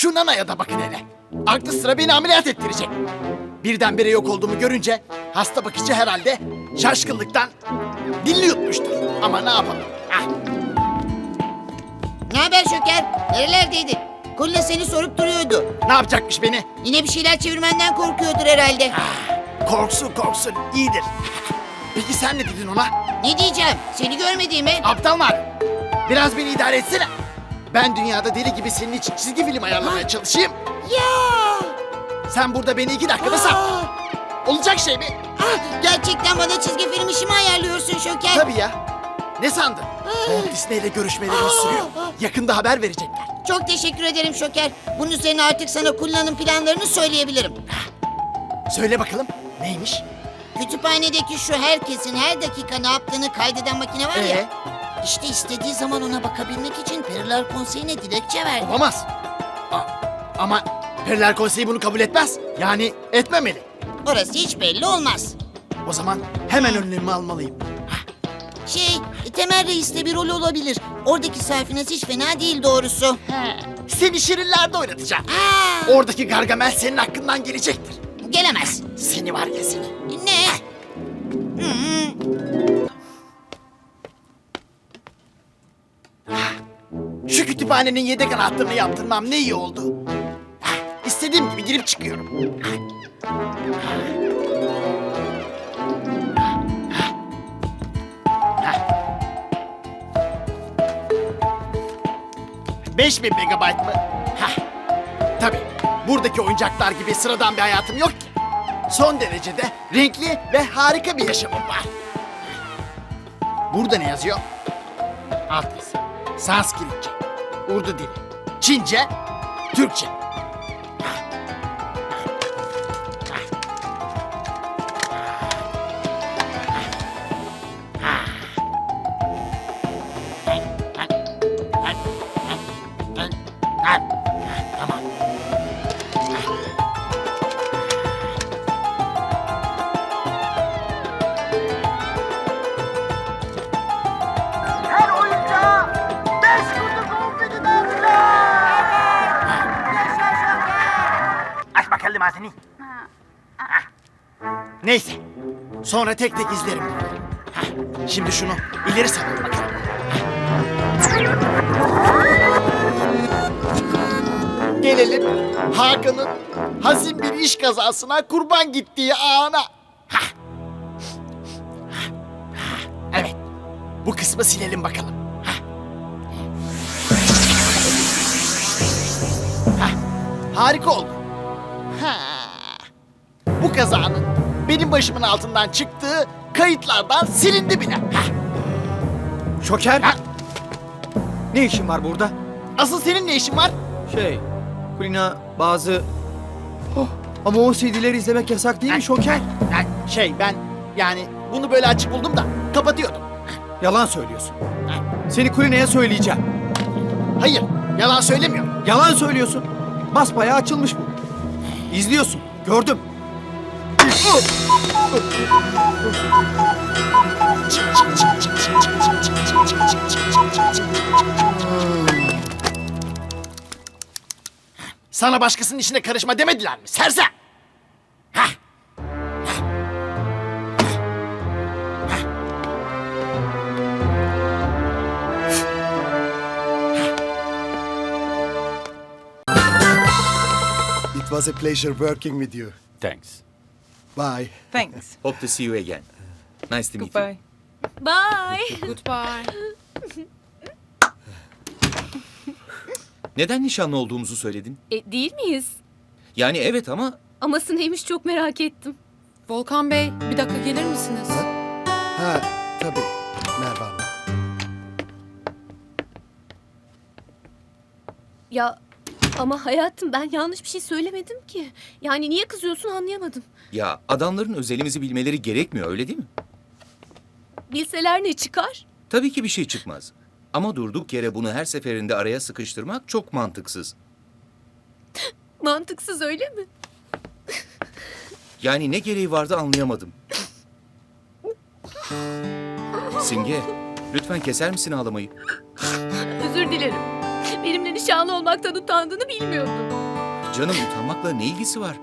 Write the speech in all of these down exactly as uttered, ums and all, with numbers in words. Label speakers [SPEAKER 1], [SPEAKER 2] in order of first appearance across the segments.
[SPEAKER 1] Şu Nana'ya da bakın hele. Aklı sıra beni ameliyat ettirecek. Birdenbire yok olduğumu görünce hasta bakıcı herhalde şaşkınlıktan dilini yutmuştur. Ama ne yapalım? Ah.
[SPEAKER 2] Ne haber Şoker? Nerelerdeydin? Kulina seni sorup duruyordu.
[SPEAKER 1] Ne yapacakmış beni?
[SPEAKER 2] Yine bir şeyler çevirmenden korkuyordur herhalde.
[SPEAKER 1] Korksun korksun iyidir. Peki sen ne dedin ona?
[SPEAKER 2] Ne diyeceğim? Seni görmediğime...
[SPEAKER 1] Aptal var. Biraz beni idare etsene. Ben dünyada deli gibi senin için çizgi film ayarlamaya çalışayım.
[SPEAKER 2] Ya!
[SPEAKER 1] Sen burada beni iki dakikada sat. Olacak şey mi?
[SPEAKER 2] Ah, gerçekten bana çizgi film işimi ayarlıyorsun Şoker.
[SPEAKER 1] Tabii ya. Ne sandın? Walt Disney ile görüşmelerimiz sürüyor. Yakında haber verecekler.
[SPEAKER 2] Çok teşekkür ederim Şoker. Bunun üzerine artık sana Kulina'nın planlarını söyleyebilirim.
[SPEAKER 1] Söyle bakalım neymiş?
[SPEAKER 2] Kütüphanedeki şu herkesin her dakika ne yaptığını kaydeden makine var ya.
[SPEAKER 1] Ee?
[SPEAKER 2] İşte istediği zaman ona bakabilmek için Periler Konseyi'ne dilekçe verdi.
[SPEAKER 1] Olamaz. A- ama Periler Konseyi bunu kabul etmez. Yani etmemeli.
[SPEAKER 2] Orası hiç belli olmaz.
[SPEAKER 1] O zaman hemen önlemimi almalıyım.
[SPEAKER 2] Şey, Temel Reis'te bir rol olabilir. Oradaki Safinaz hiç fena değil doğrusu.
[SPEAKER 1] Seni şirinlerde oynatacağım.
[SPEAKER 2] Aa,
[SPEAKER 1] Oradaki Gargamel senin hakkından gelecektir.
[SPEAKER 2] gelemez.
[SPEAKER 1] Seni var ya seni.
[SPEAKER 2] Ne? Hı-hı.
[SPEAKER 1] Şu kütüphanenin yedek anahtarını yaptırmam ne iyi oldu. Ah, İstediğim gibi girip çıkıyorum. Beş bin megabayt mı? Hah. Tabii. Buradaki oyuncaklar gibi sıradan bir hayatım yok ki. Son derecede renkli ve harika bir yaşamım var. Burada ne yazıyor? Alt yazı. Sanskritçe, Urdu dili, Çince, Türkçe. Tamam.
[SPEAKER 3] Her oyuncağa beş kutu konfeti dağıtacağım. Yaşa Şoker. Aç bakalım ağzını.
[SPEAKER 1] Neyse. Sonra tek tek izlerim. Hah, şimdi şunu ileri saralım bakalım. Gelelim Hakan'ın hazin bir iş kazasına kurban gittiği ana. Hah. Evet. Bu kısmı silelim bakalım. Hah. Hah, harika oldu. Ha. Bu kazanın benim başımın altından çıktığı kayıtlardan silindi bile. Hah.
[SPEAKER 4] Şoker,
[SPEAKER 1] Ha,
[SPEAKER 4] ne işin var burada?
[SPEAKER 1] asıl senin ne işin var?
[SPEAKER 4] Şey, Kulina bazı... Oh, ama o C D'leri izlemek yasak değil mi Şoker?
[SPEAKER 1] Ha, şey ben yani bunu böyle açık buldum da kapatıyordum.
[SPEAKER 4] Yalan söylüyorsun. Seni Kulina'ya söyleyeceğim.
[SPEAKER 1] Hayır, yalan söylemiyorum.
[SPEAKER 4] Yalan söylüyorsun. Basbayağı açılmış bu. İzliyorsun, gördüm. Sana başkasının işine karışma demediler mi? Sersem! Hah!
[SPEAKER 5] It was a pleasure working with you.
[SPEAKER 6] Thanks.
[SPEAKER 5] Bye.
[SPEAKER 7] Thanks.
[SPEAKER 6] Hope to see you again. Nice to meet you.
[SPEAKER 7] Goodbye.
[SPEAKER 8] Bye.
[SPEAKER 7] Goodbye.
[SPEAKER 6] Neden nişanlı olduğumuzu söyledin?
[SPEAKER 8] E, değil miyiz?
[SPEAKER 6] Yani evet ama
[SPEAKER 8] Aması neymiş çok merak ettim.
[SPEAKER 7] Volkan Bey, bir dakika gelir misiniz?
[SPEAKER 5] Ha, tabii. Merhaba Hanım.
[SPEAKER 8] Ya ama hayatım ben yanlış bir şey söylemedim ki. Yani niye kızıyorsun anlayamadım.
[SPEAKER 6] ya adamların özelimizi bilmeleri gerekmiyor öyle değil mi?
[SPEAKER 8] Bilseler ne çıkar?
[SPEAKER 6] Tabii ki bir şey çıkmaz. Ama durduk yere bunu her seferinde araya sıkıştırmak çok mantıksız.
[SPEAKER 8] Mantıksız öyle mi?
[SPEAKER 6] Yani ne gereği vardı anlayamadım. Simge, lütfen keser misin ağlamayı?
[SPEAKER 8] Özür dilerim. Benimle nişanlı olmaktan utandığını bilmiyordum.
[SPEAKER 6] Canım, utanmakla ne ilgisi var?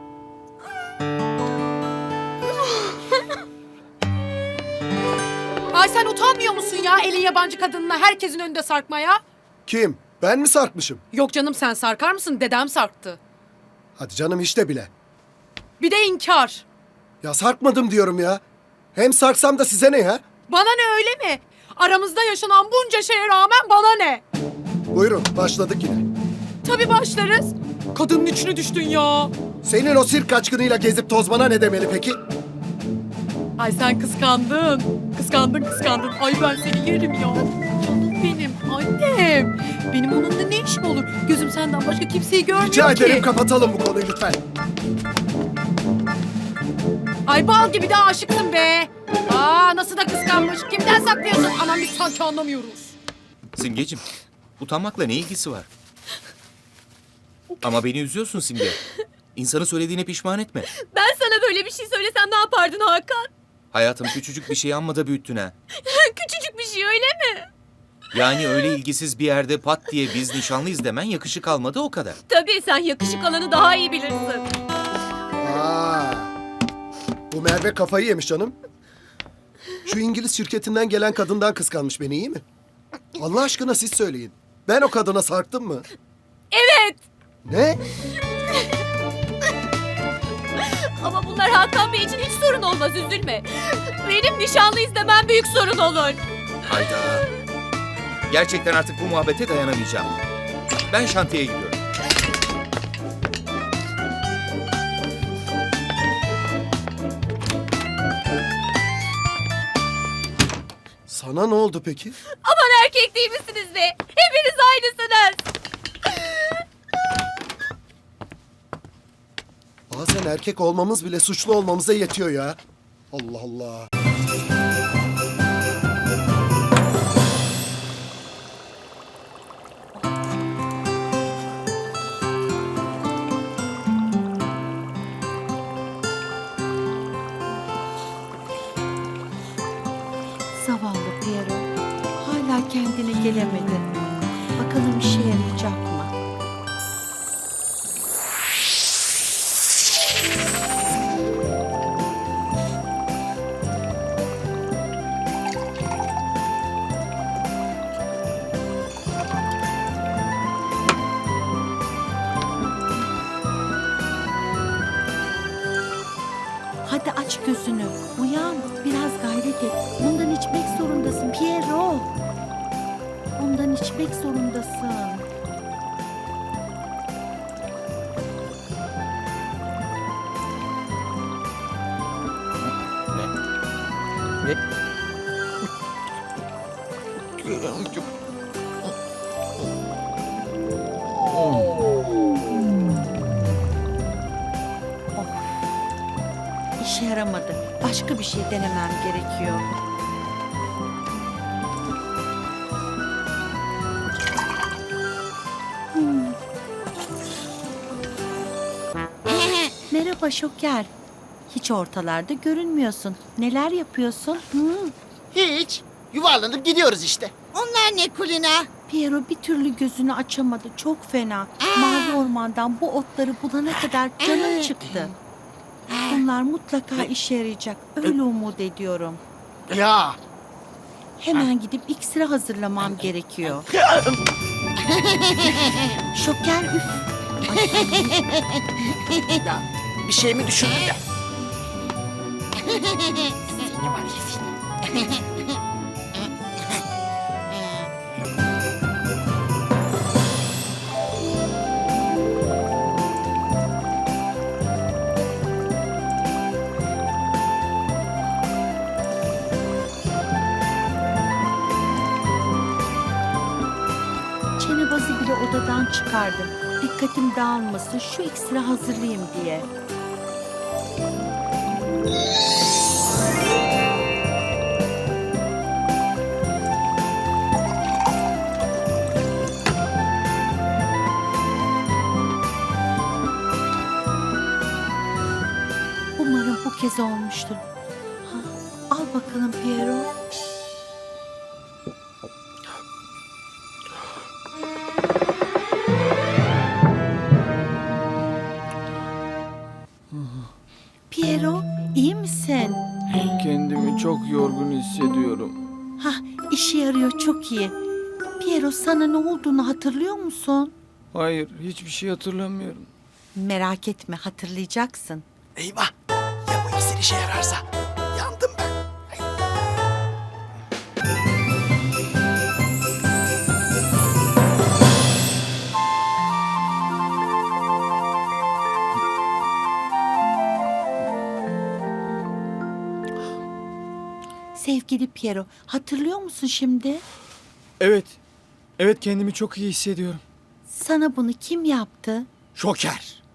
[SPEAKER 7] Ay sen utanmıyor musun ya elin yabancı kadınına herkesin önünde sarkmaya?
[SPEAKER 5] Kim? Ben mi sarkmışım?
[SPEAKER 7] Yok canım sen sarkar mısın? Dedem sarktı.
[SPEAKER 5] Hadi canım işte bile.
[SPEAKER 7] Bir de inkar.
[SPEAKER 5] Ya sarkmadım diyorum ya. Hem sarksam da size ne ya?
[SPEAKER 7] Bana ne öyle mi? Aramızda yaşanan bunca şeye rağmen bana ne?
[SPEAKER 5] Buyurun başladık yine.
[SPEAKER 7] Tabii başlarız. Kadının içine düştün ya.
[SPEAKER 5] Senin o sirk kaçkınıyla gezip tozmana ne demeli peki?
[SPEAKER 7] Ay sen kıskandın. Kıskandın kıskandın. Ay ben seni yerim ya. Canım benim annem. Benim onunla ne işim olur? Gözüm senden başka kimseyi görmüyor
[SPEAKER 5] Rica
[SPEAKER 7] ki.
[SPEAKER 5] ederim kapatalım bu konuyu lütfen.
[SPEAKER 7] Ay bal gibi de aşıksın be. Aa nasıl da kıskanmış. Kimden saklıyorsun? Aman biz sanki anlamıyoruz.
[SPEAKER 6] Simgeciğim, utanmakla ne ilgisi var? Ama beni üzüyorsun Simge. İnsanı söylediğine pişman etme.
[SPEAKER 8] Ben sana böyle bir şey söylesem ne yapardın Hakan?
[SPEAKER 6] Hayatım, küçücük bir şey amma da büyüttün ha.
[SPEAKER 8] Küçücük bir şey öyle mi?
[SPEAKER 6] Yani öyle ilgisiz bir yerde pat diye biz nişanlıyız demen yakışık almadı, o kadar.
[SPEAKER 8] Tabii sen yakışık alanı daha iyi bilirsin.
[SPEAKER 5] Aa, bu Merve kafayı yemiş canım. Şu İngiliz şirketinden gelen kadından kıskanmış beni, iyi mi? Allah aşkına siz söyleyin. Ben o kadına sarktım mı?
[SPEAKER 8] Evet.
[SPEAKER 5] Ne?
[SPEAKER 8] Ama bunlar Hakan Bey için hiç sorun olmaz, üzülme. Benim nişanlıyız demem büyük sorun olur.
[SPEAKER 6] Hayda. Gerçekten artık bu muhabbete dayanamayacağım. Ben şantiyeye gidiyorum.
[SPEAKER 5] Sana ne oldu peki?
[SPEAKER 8] Aman erkek değil misiniz be? Hepiniz aynısınız.
[SPEAKER 5] Bazen erkek olmamız bile suçlu olmamıza yetiyor ya. Allah Allah.
[SPEAKER 9] Zavallı Piero. Hala kendine gelemedi. Bakalım işe yarayacak mı? Hadi aç gözünü. Uyan. Biraz gayret et. Bundan içmek zorundasın Piero. Bundan içmek zorundasın. İşe yaramadı. Başka bir şey denemem gerekiyor. Hmm. Merhaba Şoker. Hiç ortalarda görünmüyorsun. Neler yapıyorsun? Hmm.
[SPEAKER 1] Hiç. Yuvarlanıp gidiyoruz işte.
[SPEAKER 2] Onlar ne Kulina?
[SPEAKER 9] Piero bir türlü gözünü açamadı. Çok fena. Mavi ormandan bu otları bulana kadar canım çıktı. Bunlar mutlaka işe yarayacak. Öyle umut ediyorum.
[SPEAKER 1] Ya.
[SPEAKER 9] Hemen gidip iksiri hazırlamam gerekiyor. Şoker üf.
[SPEAKER 1] Ya bir şey mi düşündün de? Seni var ya seni.
[SPEAKER 9] Çenebazı bile odadan çıkardım. Dikkatim dağılmasın, şu iksiri hazırlayayım diye. Umarım bu kez olmuştur. Ha, al bakalım Piero.
[SPEAKER 4] hissediyorum.
[SPEAKER 9] Hah, işe yarıyor, çok iyi. Piero, sana ne olduğunu hatırlıyor musun?
[SPEAKER 4] Hayır, hiçbir şey hatırlamıyorum.
[SPEAKER 9] Merak etme, hatırlayacaksın.
[SPEAKER 1] Eyvah! Ya bu iksir işe yararsa? Yandım ben.
[SPEAKER 9] Sevgili Piero, hatırlıyor musun şimdi?
[SPEAKER 4] Evet, evet kendimi çok iyi hissediyorum.
[SPEAKER 9] Sana bunu kim yaptı?
[SPEAKER 1] Şoker.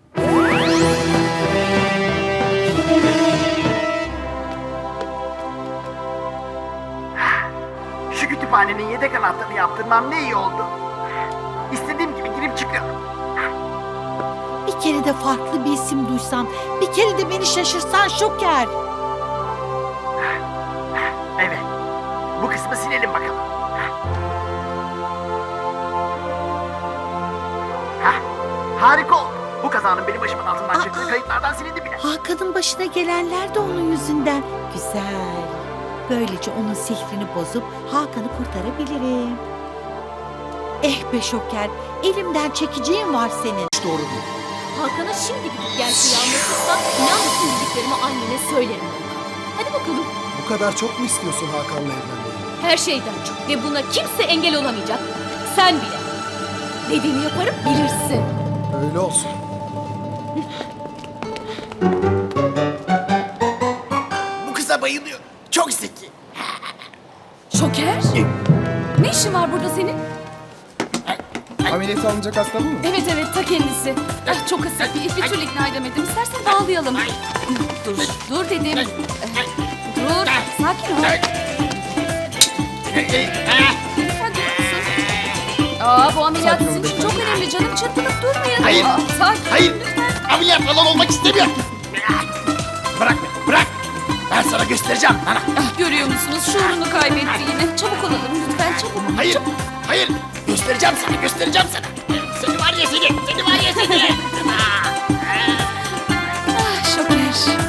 [SPEAKER 3] Şu kütüphanenin yedek anahtarını yaptırmam ne iyi oldu. İstediğim gibi girip çıkıyorum.
[SPEAKER 9] Bir kere de farklı bir isim duysam, bir kere de beni şaşırsan Şoker.
[SPEAKER 3] Evet. Bu kısmı silelim bakalım. Hah, harika oldu. Bu kazanın benim başımın altından
[SPEAKER 9] Aa.
[SPEAKER 3] çıktığı kayıtlardan silindi bile.
[SPEAKER 9] Hakan'ın başına gelenler de onun yüzünden. Güzel. Böylece onun sihrini bozup Hakan'ı kurtarabilirim. Eh be Şoker, elimden çekeceğin var senin.
[SPEAKER 5] Doğru değil.
[SPEAKER 8] Hakan'a şimdi gidip gerçeği anlatırsan inan bütün bildiklerimi annene söylerim. Hadi bakalım.
[SPEAKER 5] Bu kadar çok mu istiyorsun Hakan'la evlenmeyi?
[SPEAKER 8] Her şeyden çok ve buna kimse engel olamayacak. Sen bile. Dediğini yaparım bilirsin.
[SPEAKER 5] Öyle olsun.
[SPEAKER 1] Bu kıza bayılıyorum. Çok zeki.
[SPEAKER 8] Şoker. Ne işin var burada senin?
[SPEAKER 5] Ameliyat alınacak hasta mı?
[SPEAKER 8] Evet evet ta kendisi. Ah, çok ısık bir, bir türlü ikna edemedim. İstersen bağlayalım. Dur dur dedim. Dur sakin ol. Lütfen durur musun? Aa bu ameliyat sizin için çok önemli canım. Çırpınıp durmayın.
[SPEAKER 1] Hayır.
[SPEAKER 8] Aa, sakin.
[SPEAKER 1] Hayır. Ameliyat falan olmak istemiyorum. Bırak beni, bırak. Ben sana göstereceğim. Bana.
[SPEAKER 8] Ah, görüyor musunuz? Şuurunu kaybetti yine. Çabuk olalım lütfen çabuk.
[SPEAKER 1] Hayır, hayır. Göstereceğim sana, göstereceğim sana. Seni var ya seni, seni var ya seni.
[SPEAKER 8] Ah Şoker.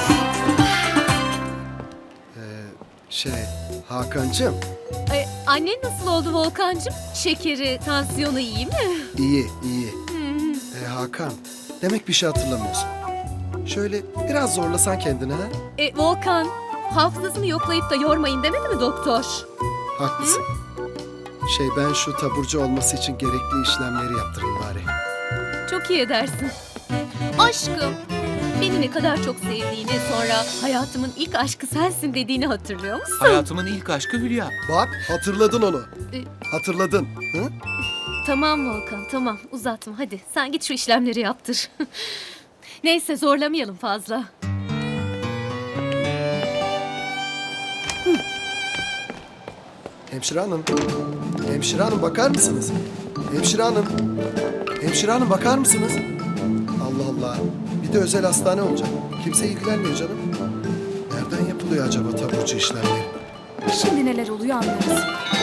[SPEAKER 5] Şey, Hakan'cığım
[SPEAKER 8] Ay, annen nasıl oldu Volkancığım? Şekeri, tansiyonu iyi mi?
[SPEAKER 5] iyi, iyi. E, Hakan, demek bir şey hatırlamıyorsun. Şöyle biraz zorlasan kendini ha?
[SPEAKER 8] E, Volkan, hafızasını yoklayıp da yormayın demedi mi doktor?
[SPEAKER 5] Haklısın. Şey, ben şu taburcu olması için gerekli işlemleri yaptırayım bari.
[SPEAKER 8] Çok iyi edersin. Aşkım, beni ne kadar çok sevdiğini, sonra hayatımın ilk aşkı sensin dediğini hatırlıyor musun?
[SPEAKER 6] Hayatımın ilk aşkı Hülya.
[SPEAKER 5] Bak, hatırladın onu.
[SPEAKER 8] E,
[SPEAKER 5] Hatırladın. Hı?
[SPEAKER 8] Tamam Volkan, tamam uzatma hadi. Sen git şu işlemleri yaptır. Neyse zorlamayalım fazla.
[SPEAKER 5] Hemşire hanım. Hemşire hanım bakar mısınız? Hemşire hanım. Hemşire hanım bakar mısınız? Allah Allah. Bir de özel hastane olacak. Kimse ilgilenmiyor canım. Nereden yapılıyor acaba taburcu işlemleri?
[SPEAKER 8] Şimdi neler oluyor anlarız.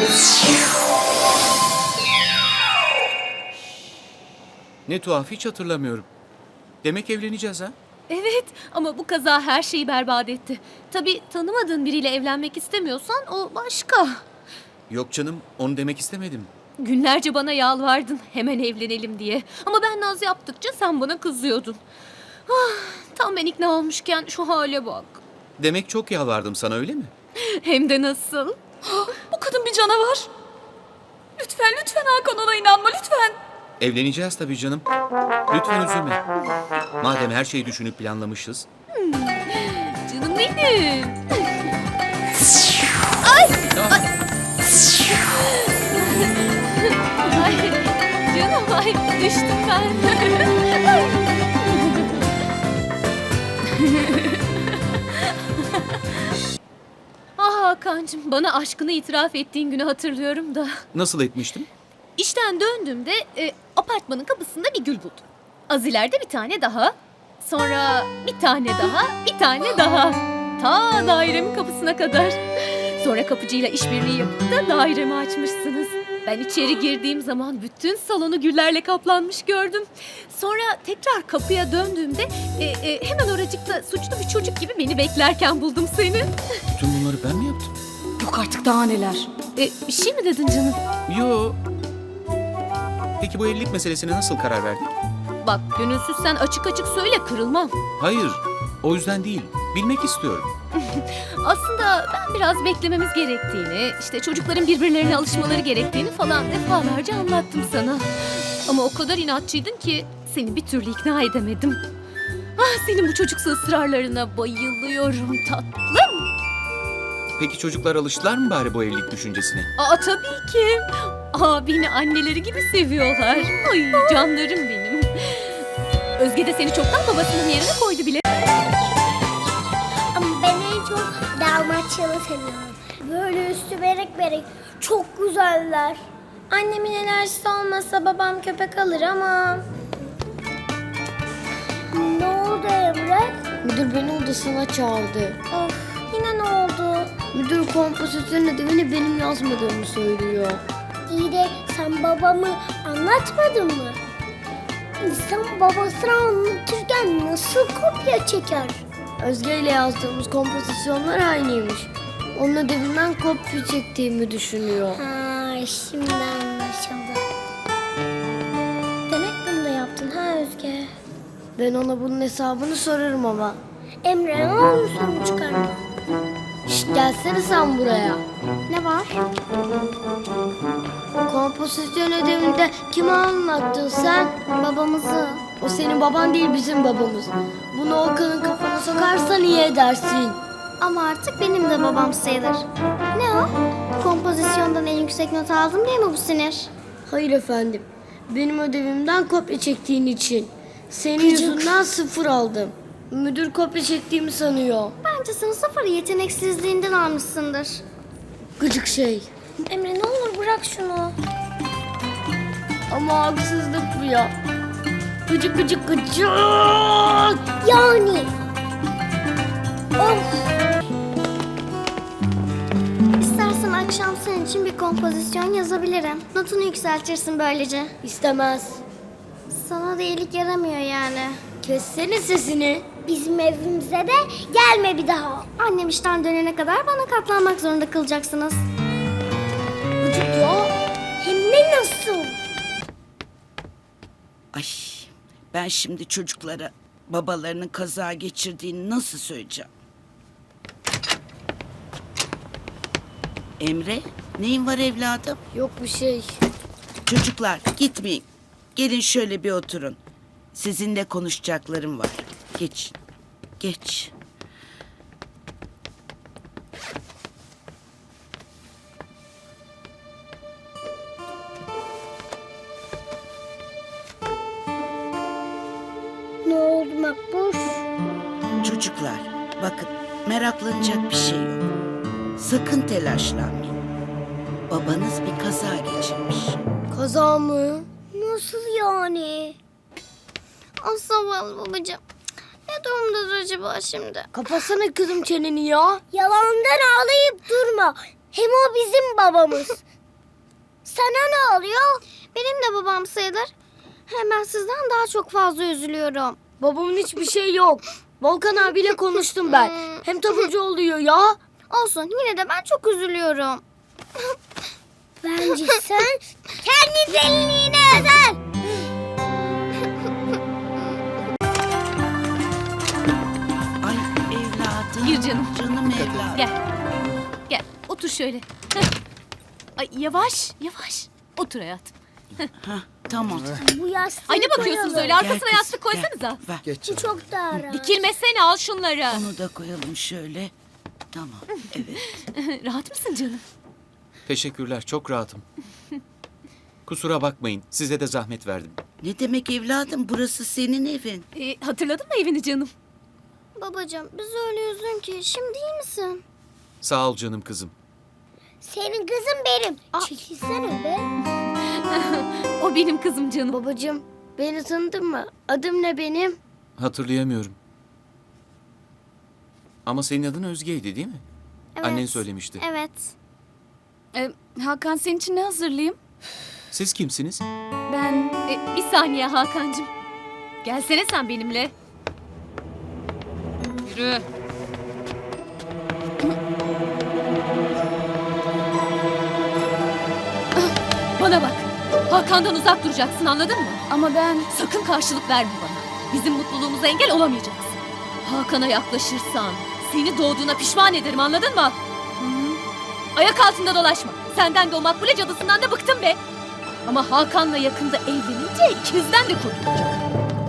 [SPEAKER 6] Ne tuhaf hiç hatırlamıyorum. Demek evleneceğiz ha?
[SPEAKER 8] Evet ama bu kaza her şeyi berbat etti. Tabii tanımadığın biriyle evlenmek istemiyorsan o başka.
[SPEAKER 6] Yok canım onu demek istemedim.
[SPEAKER 8] Günlerce bana yalvardın hemen evlenelim diye. Ama ben naz yaptıkça sen bana kızıyordun. Ah, tam ben ikna olmuşken şu hale bak.
[SPEAKER 6] Demek çok yalvardım sana öyle mi?
[SPEAKER 8] Hem de nasıl? Bu kadın bir canavar. Lütfen lütfen Hakan ona inanma lütfen.
[SPEAKER 6] Evleneceğiz tabii canım. Lütfen üzülme. Madem her şeyi düşünüp planlamışız.
[SPEAKER 8] Canım benim.
[SPEAKER 6] Ah,
[SPEAKER 8] Ay canım ay düştüm ben. Ah Hakan'cığım bana aşkını itiraf ettiğin günü hatırlıyorum da.
[SPEAKER 6] nasıl etmiştim?
[SPEAKER 8] İşten döndüğümde e, apartmanın kapısında bir gül buldum. Az ileride bir tane daha. Sonra bir tane daha, bir tane daha. Ta dairemin kapısına kadar. Sonra kapıcıyla işbirliği yapıp da dairemi açmışsınız. Ben içeri girdiğim zaman bütün salonu güllerle kaplanmış gördüm. Sonra tekrar kapıya döndüğümde e, e, hemen oracıkta suçlu bir çocuk gibi beni beklerken buldum seni.
[SPEAKER 6] Bütün bunları Ben mi yaptım?
[SPEAKER 7] Yok artık daha neler.
[SPEAKER 8] E, bir şey mi dedin canım?
[SPEAKER 6] Yo. Peki bu evlilik meselesine nasıl karar verdin?
[SPEAKER 8] Bak gönülsüz sen açık açık söyle kırılmam.
[SPEAKER 6] Hayır, o yüzden değil. Bilmek istiyorum.
[SPEAKER 8] Aslında ben biraz beklememiz gerektiğini, işte çocukların birbirlerine alışmaları gerektiğini falan defalarca anlattım sana. Ama o kadar inatçıydın ki seni bir türlü ikna edemedim. Ah senin bu çocuksu ısrarlarına bayılıyorum tatlım.
[SPEAKER 6] Peki çocuklar alıştılar mı bari bu evlilik düşüncesine?
[SPEAKER 8] Aa tabii ki. Aa beni anneleri gibi seviyorlar. Ay canlarım benim. Özge de seni çoktan babasının yerine koydu bile.
[SPEAKER 10] Ama ben en çok Dalmaçyalı seviyorum. Böyle üstü berek berek. Çok güzeller. Annemin enerjisi olmasa babam köpek alır ama... Ne oldu Emre?
[SPEAKER 11] Müdür beni odasına çağırdı.
[SPEAKER 10] Of, yine ne oldu?
[SPEAKER 11] Müdür kompozisyon ödevini benim yazmadığımı söylüyor.
[SPEAKER 10] İyi de sen babamı anlatmadın mı? İnsan babasına anlatırken nasıl kopya çeker?
[SPEAKER 11] Özge ile yazdığımız kompozisyonlar aynıymış. Onun ödevinden kopya çektiğimi düşünüyor.
[SPEAKER 10] Ha, şimdi anlaşıldı. Demek bunu da yaptın ha Özge?
[SPEAKER 11] Ben ona bunun hesabını sorarım ama.
[SPEAKER 10] Emre ne olur sorun çıkarma.
[SPEAKER 11] Şşt gelsene sen buraya.
[SPEAKER 10] Ne var?
[SPEAKER 11] Kompozisyon ödevinde kime anlattın sen?
[SPEAKER 10] Babamızı.
[SPEAKER 11] O senin baban değil bizim babamız. Bunu Okan'ın kafana sokarsan iyi edersin.
[SPEAKER 10] Ama artık benim de babam sayılır. Ne o? Kompozisyondan en yüksek not aldım diye mi bu sinir?
[SPEAKER 11] Hayır efendim. Benim ödevimden kopya çektiğin için. Senin yüzünden sıfır aldım. Müdür kopya çektiğimi sanıyor.
[SPEAKER 10] Bence sen sıfır yeteneksizliğinden almışsındır.
[SPEAKER 11] Gıcık şey.
[SPEAKER 10] Emre ne olur bırak şunu.
[SPEAKER 11] Ama haksızlık bu ya. Gıcık gıcık gıcık.
[SPEAKER 10] Yani. Of. İstersen akşam senin için bir kompozisyon yazabilirim. Notunu yükseltirsin böylece.
[SPEAKER 11] İstemez.
[SPEAKER 10] Sana da iyilik yaramıyor yani.
[SPEAKER 11] Kessene sesini.
[SPEAKER 10] Bizim evimize de gelme bir daha. Annem işten dönene kadar bana katlanmak zorunda kalacaksınız.
[SPEAKER 11] Gıcık ya.
[SPEAKER 10] Hem de nasıl?
[SPEAKER 9] Ay, ben şimdi çocuklara babalarının kaza geçirdiğini nasıl söyleyeceğim? Emre, neyin var evladım?
[SPEAKER 11] Yok bir şey.
[SPEAKER 9] Çocuklar gitmeyin. Gelin şöyle bir oturun. Sizinle konuşacaklarım var. Geç, geç.
[SPEAKER 10] Ne oldu Makbuş?
[SPEAKER 9] Çocuklar, bakın meraklanacak bir şey yok. Sakın telaşlanmayın. Babanız bir kaza geçirmiş.
[SPEAKER 11] Kaza mı?
[SPEAKER 10] Nasıl yani? Ah zavallı babacığım. Ne durumdadır acaba şimdi?
[SPEAKER 11] Kapatsana kızım çeneni ya.
[SPEAKER 10] Yalandan ağlayıp durma. Hem o bizim babamız. Sana ne oluyor? Benim de babam sayılır. Hemen sizden daha çok fazla üzülüyorum.
[SPEAKER 11] Babamın hiçbir şey yok. Volkan abiyle konuştum ben. Hem taburcu oluyor ya.
[SPEAKER 10] Olsun yine de ben çok üzülüyorum. Bence sen kendi deliliğine özel.
[SPEAKER 9] Ay evladım.
[SPEAKER 8] Gir canım.
[SPEAKER 9] Canım evladım.
[SPEAKER 8] Gel. Gel otur şöyle. Heh. Ay yavaş yavaş. Otur hayatım.
[SPEAKER 9] Hah, tamam.
[SPEAKER 10] Bu yastığı
[SPEAKER 8] Ay ne bakıyorsunuz
[SPEAKER 10] koyalım.
[SPEAKER 8] öyle arkasına
[SPEAKER 9] kızım,
[SPEAKER 8] yastık koysanıza.
[SPEAKER 9] Ver.
[SPEAKER 5] Geç
[SPEAKER 10] Bu
[SPEAKER 5] canım.
[SPEAKER 10] çok daha rahat.
[SPEAKER 8] Dikilmesene al şunları.
[SPEAKER 9] Onu da koyalım şöyle. Tamam, evet.
[SPEAKER 8] Rahat mısın canım?
[SPEAKER 6] Teşekkürler, çok rahatım. Kusura bakmayın, size de zahmet verdim.
[SPEAKER 9] Ne demek evladım? Burası senin evin.
[SPEAKER 8] Ee, hatırladın mı evini canım?
[SPEAKER 10] Babacığım biz öyle üzgün ki şimdi iyi misin?
[SPEAKER 6] Sağ ol canım kızım.
[SPEAKER 10] Senin kızın benim. Çekilsene be.
[SPEAKER 8] O benim kızım canım.
[SPEAKER 11] Babacığım beni tanıdın mı? Adım ne benim?
[SPEAKER 6] Hatırlayamıyorum. Ama senin adın Özge'ydi değil mi?
[SPEAKER 10] Evet.
[SPEAKER 6] Annen söylemişti.
[SPEAKER 10] Evet.
[SPEAKER 7] Ee, Hakan senin için ne hazırlayayım?
[SPEAKER 6] Siz kimsiniz?
[SPEAKER 7] Ben...
[SPEAKER 8] Ee, bir saniye Hakan'cığım. Gelsene sen benimle. Yürü. Bana bak. Hakan'dan uzak duracaksın, anladın mı?
[SPEAKER 11] Ama ben...
[SPEAKER 8] Sakın karşılık verme bana. Bizim mutluluğumuza engel olamayacaksın. Hakan'a yaklaşırsan seni doğduğuna pişman ederim, anladın mı? Ayak altında dolaşma. Senden de o makbule cadısından da bıktım be. Ama Hakan'la yakında evlenince ikimizden de kurtulacağım.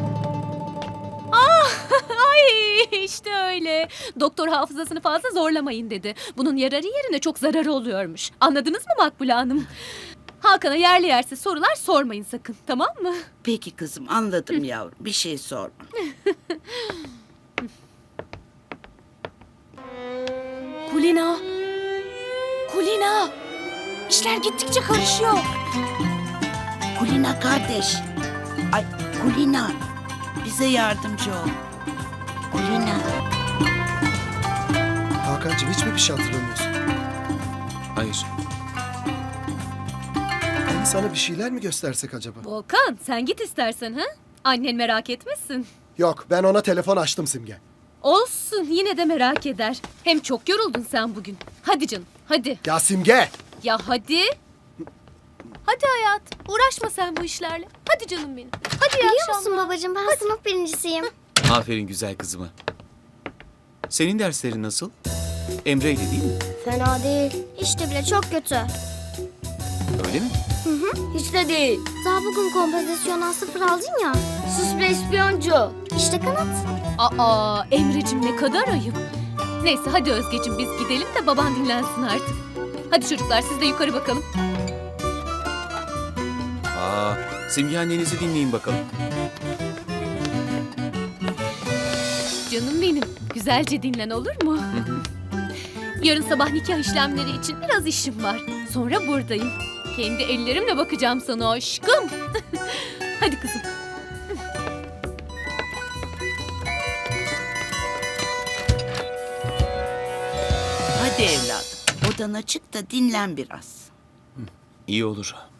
[SPEAKER 8] Ah, ay işte öyle. Doktor hafızasını fazla zorlamayın dedi. Bunun yararı yerine çok zararı oluyormuş. Anladınız mı Makbule Hanım? Hakan'a yerli yersiz sorular sormayın sakın, tamam mı?
[SPEAKER 9] Peki kızım, anladım yavrum. Bir şey sorma.
[SPEAKER 8] Kulina. Kulina. İşler gittikçe karışıyor.
[SPEAKER 9] Kulina kardeş. Ay Kulina. Bize yardımcı ol. Kulina.
[SPEAKER 5] Hakan'cığım hiç mi bir şey hatırlamıyorsun?
[SPEAKER 6] Hayır.
[SPEAKER 5] Hani sana bir şeyler mi göstersek acaba?
[SPEAKER 8] Volkan, sen git istersen ha? Annen merak etmesin.
[SPEAKER 5] Yok, ben ona telefon açtım Simge.
[SPEAKER 8] Olsun, yine de merak eder. Hem çok yoruldun sen bugün. Hadi canım, hadi.
[SPEAKER 5] Ya Simge!
[SPEAKER 8] Ya hadi. Hadi hayat, uğraşma sen bu işlerle. Hadi canım benim. Hadi iyi
[SPEAKER 10] Biliyor
[SPEAKER 8] akşamlar.
[SPEAKER 10] musun babacığım ben sınıf birincisiyim.
[SPEAKER 6] Aferin güzel kızıma. Senin derslerin nasıl? Emre'yle değil mi?
[SPEAKER 10] Fena değil. İşte bile çok kötü.
[SPEAKER 6] Öyle mi?
[SPEAKER 11] Hiç de değil.
[SPEAKER 10] Daha bugün kompozisyondan sıfır aldın ya.
[SPEAKER 11] Sus be ispiyoncu.
[SPEAKER 10] İşte kanat.
[SPEAKER 8] Aa, Emre'cim ne kadar ayıp. Neyse hadi Özgeciğim biz gidelim de baban dinlensin artık. Hadi çocuklar siz de yukarı bakalım.
[SPEAKER 6] Aa, Simge annenizi dinleyin bakalım.
[SPEAKER 8] Canım benim, güzelce dinlen olur mu? Yarın sabah nikah işlemleri için biraz işim var. Sonra buradayım. Kendi ellerimle bakacağım sana aşkım. Hadi kızım.
[SPEAKER 9] Hadi evladım. Odana çık da dinlen biraz.
[SPEAKER 6] İyi olur.